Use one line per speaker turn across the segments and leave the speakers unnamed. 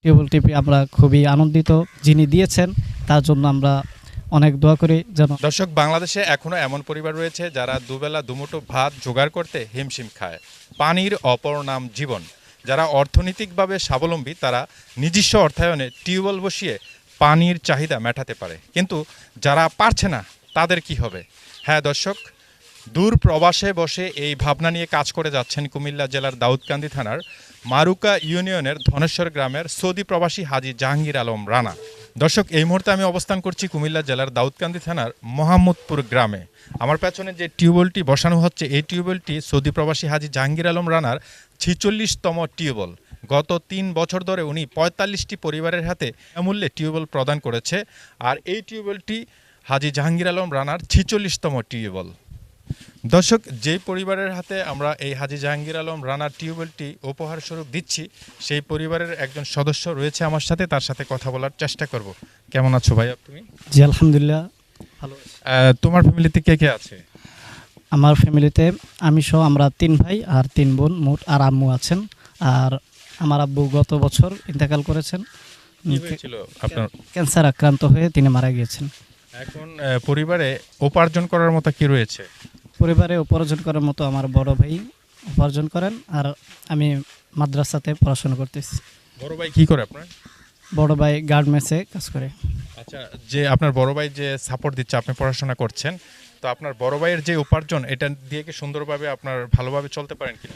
Tubewell টিপে আমরা খুবই আনন্দিত। যিনি দিয়েছেন তার জন্য আমরা অনেক দোয়া করি যেন।
দর্শক, বাংলাদেশে এখনো এমন পরিবার রয়েছে যারা দুবেলা দুমুঠো ভাত জোগাড় করতে হিমশিম খায়। পানির অপর নাম জীবন। যারা অর্থনৈতিকভাবে স্বাবলম্বী তারা নিজস্ব অর্থায়নে টিউবওয়েল বসিয়ে পানির চাহিদা মেটাতে পারে, কিন্তু যারা পারছে না তাদের কি হবে? হ্যাঁ দর্শক, দূর প্রবাসে বসে এই ভাবনা নিয়ে কাজ করে যাচ্ছেন কুমিল্লা জেলার দাউদকান্দি থানার মারুকা ইউনিয়নের ধনেশ্বর গ্রামের সৌদি প্রবাসী হাজী জাহাঙ্গীর আলম রানা। দর্শক, এই মুহূর্তে আমি অবস্থান করছি কুমিল্লা জেলার দাউদকান্দি থানার মোহাম্মদপুর গ্রামে। আমার পেছনে যে টিউবওয়েলটি বসানো হচ্ছে, এই টিউবওয়েলটি সৌদি প্রবাসী হাজী জাহাঙ্গীর আলম রানার 46তম টিউবওয়েল। গত 3 বছর ধরে উনি 45টি পরিবারের হাতে অমূল্যে টিউবওয়েল প্রদান করেছে। আর এই টিউবওয়েলটি হাজী জাহাঙ্গীর আলম রানার 46তম টিউবওয়েল। দর্শক, যেই পরিবারের হাতে আমরা এই হাজী জাহাঙ্গীর আলম রানার টিউবওয়েলটি উপহার স্বরূপ দিচ্ছি, সেই পরিবারের একজন সদস্য রয়েছে আমার সাথে, তার সাথে কথা বলার চেষ্টা করব। কেমন আছো ভাইয়া তুমি?
জি আলহামদুলিল্লাহ ভালো আছি।
তোমার ফ্যামিলিতে কে কে আছে?
আমার ফ্যামিলিতে আমি সহ আমরা 3 ভাই আর 3 বোন, মোট আর আম্মু আছেন। আর আমার আব্বু গত বছর ইন্তেকাল করেছেন।
কি হয়েছিল আপনার?
ক্যান্সার আক্রান্ত হয়ে তিনি মারা গিয়েছেন।
এখন পরিবারে উপার্জন করার মতো কি রয়েছে?
পরিবারে উপার্জন করার মতো আমার বড় ভাই উপার্জন করেন, আর আমি মাদ্রাসাতে পড়াশোনা করতেছি।
বড় ভাই কি করে আপনার?
বড় ভাই গার্মেন্টসে কাজ করে।
আচ্ছা, যে আপনার বড় ভাই যে সাপোর্ট দিচ্ছে, আপনি পড়াশোনা করছেন, তো আপনার বড় ভাইয়ের যে উপার্জন, এটা দিয়ে কি সুন্দরভাবে আপনার ভালোভাবে চলতে পারেন কিনা?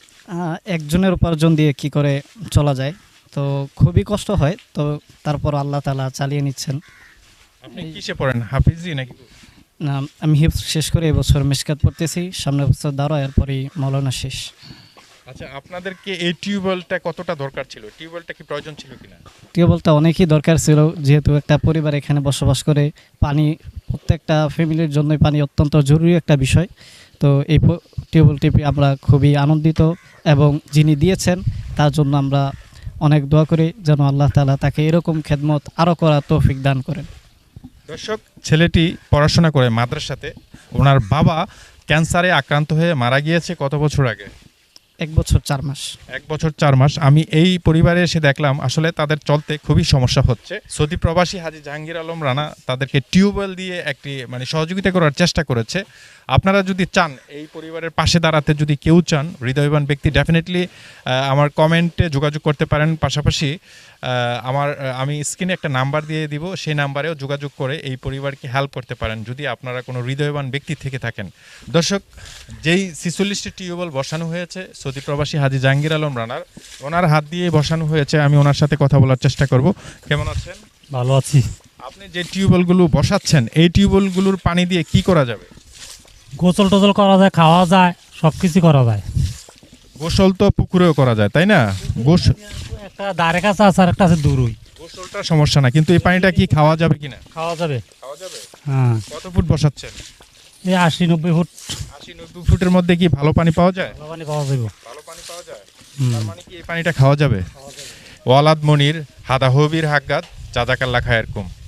একজনের উপার্জন দিয়ে কি করে চলা যায়, তো খুবই কষ্ট হয়, তো তারপর আল্লাহ তাআলা চালিয়ে নিচ্ছেন।
আপনি কিসে পড়েন, হাফিজি নাকি?
আমি হিফজ শেষ করে এবছর মিশকাত পড়তেছি, সামনের বছর দাঁড়া, এরপরই মৌলানা শেষ।
আচ্ছা, আপনাদেরকে এই টিউবওয়েলটা কতটা দরকার ছিল? টিউবওয়েলটা কি প্রয়োজন ছিল কিনা?
টিউবওয়েলটা অনেকই দরকার ছিল, যেহেতু একটা পরিবার এখানে বসবাস করে। পানি প্রত্যেকটা ফ্যামিলির জন্যই পানি অত্যন্ত জরুরি একটা বিষয়। তো এই টিউবওয়েলটি পেয়ে আমরা খুবই আনন্দিত, এবং যিনি দিয়েছেন তার জন্য আমরা অনেক দোয়া করি যেন আল্লাহ তাআলা তাকে এরকম খেদমত আরও করার তৌফিক দান করেন।
দর্শক, ছেলেটি পড়াশোনা করে মাদ্রাসাতে, ওনার বাবা ক্যান্সারে আক্রান্ত হয়ে মারা গিয়েছে কত বছর আগে?
1 বছর 4 মাস।
1 বছর 4 মাস। আমি এই পরিবারে এসে দেখলাম আসলে তাদের চলতে খুবই সমস্যা হচ্ছে। সৌদি প্রবাসী হাজী জাহাঙ্গীর আলম রানা তাদেরকে টিউবওয়েল দিয়ে একটি সহযোগিতা করার চেষ্টা করেছে। আপনারা যদি চান এই পরিবারের পাশে দাঁড়াতে, যদি কেউ চান হৃদয়বান ব্যক্তি, ডেফিনেটলি আমার কমেন্টে যোগাযোগ করতে পারেন। পাশাপাশি আমি স্ক্রিনে একটা নাম্বার দিয়ে দিব, সেই নাম্বারেও যোগাযোগ করে এই পরিবারকে হেল্প করতে পারেন যদি আপনারা কোনো হৃদয়বান ব্যক্তি থেকে থাকেন। দর্শক, যেই 46টি টিউবওয়েল বসানো হয়েছে সৌদি প্রবাসী হাজী জাহাঙ্গীর আলম রানার, ওনার হাত দিয়ে বসানো হয়েছে। আমি ওনার সাথে কথা বলার চেষ্টা করব। কেমন আছেন?
ভালো আছি।
আপনি যে টিউবওয়েলগুলো বসাচ্ছেন, এই টিউবওয়েলগুলোর পানি দিয়ে কি করা যাবে?
গোসল টোসল করা যায়, খাওয়া যায়, সব কিছু করা যায়।
গোসল তো পুকুরেও করা যায়, তাই না?
একটা ধারে কাছে আছে আর একটা আছে দূরই।
গোসলটা সমস্যা না, কিন্তু এই পানিটা কি খাওয়া যাবে কিনা?
খাওয়া যাবে।
খাওয়া যাবে।
হ্যাঁ।
কত ফুট বসাচ্ছেন?
এই 80-90 ফুট।
80-90 ফুটের মধ্যে কি ভালো পানি পাওয়া যায়?
ভালো পানি পাওয়া যাবে।
ভালো পানি পাওয়া যায়। তার মানে কি এই পানিটা খাওয়া যাবে? ওয়ালাদ মনির হাদা হবির হাক্কাত জাযাকাল্লাহ খায়েরকুম।